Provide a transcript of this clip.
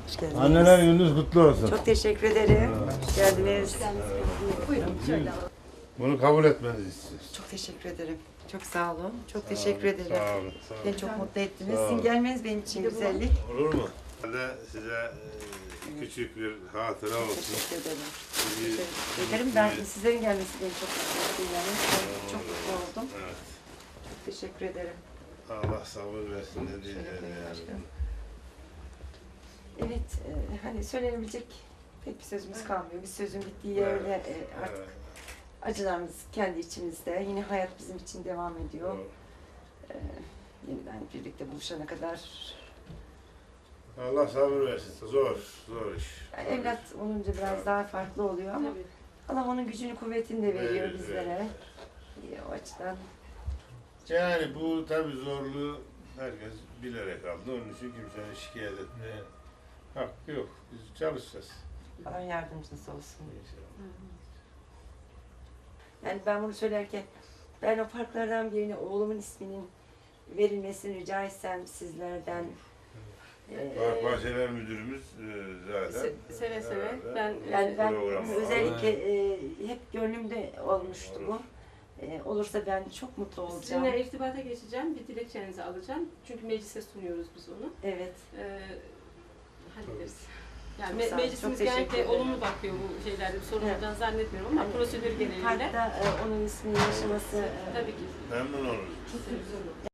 Hoş geldiniz. Anneler gününüz kutlu olsun. Çok teşekkür ederim. Hoş geldiniz. Buyurun şöyle alalım. Bunu kabul etmenizi istiyoruz. Çok teşekkür ederim. Çok sağ olun. Çok teşekkür ederim. Sağ olun. Sağ olun. Beni çok mutlu ettiniz. Sağ olun. Sizin gelmeniz benim için güzellik. Olur mu? Ben de size küçük bir hatıra olsun. Teşekkür ederim. Sizi- Teşekkür ederim. Ben sizlerin gelmesi beni çok mutlu etti. Yani. Çok mutlu oldum. Evet. Çok teşekkür ederim. Allah sabır versin ne diyeyim yani. Başkanım. Evet, hani söylenebilecek pek bir sözümüz kalmıyor. Bir sözün bittiği yerde artık Evet. acılarımız kendi içimizde. Yine hayat bizim için devam ediyor. Doğru. Yeniden birlikte buluşana kadar. Allah sabır versin. Zor, zor iş. Yani evlat olunca biraz daha farklı oluyor ama Tabii. Allah onun gücünü kuvvetini de veriyor Evet, bizlere. O açıdan Yani bu tabii zorluğu herkes bilerek aldı. Onun için kimsenin şikayet etmeye hakkı yok. Biz çalışacağız. Allah yardımcınız olsun. İnşallah. Yani ben bunu söylerken ben o parklardan birine oğlumun isminin verilmesini rica etsem sizlerden. Park Bahçeler Müdürümüz zaten. Seve seve. herhalde Ben Yani ben programı özellikle hep gönlümde olmuştu bu. Olursa ben çok mutlu olacağım. sizinle irtibata geçeceğim. Bir dilekçenizi alacağım. Çünkü meclise sunuyoruz biz onu. Evet. Hallederiz. Yani Çok sağ olun, meclisimiz çok teşekkür genellikle ederim. olumlu bakıyor bu şeylerde. Bir sorun Evet. olacağını zannetmiyorum ama Hani prosedür genelinde. Parkta onun ismini yaşaması Tabii ki. Memnun oluruz. Çok güzel olur.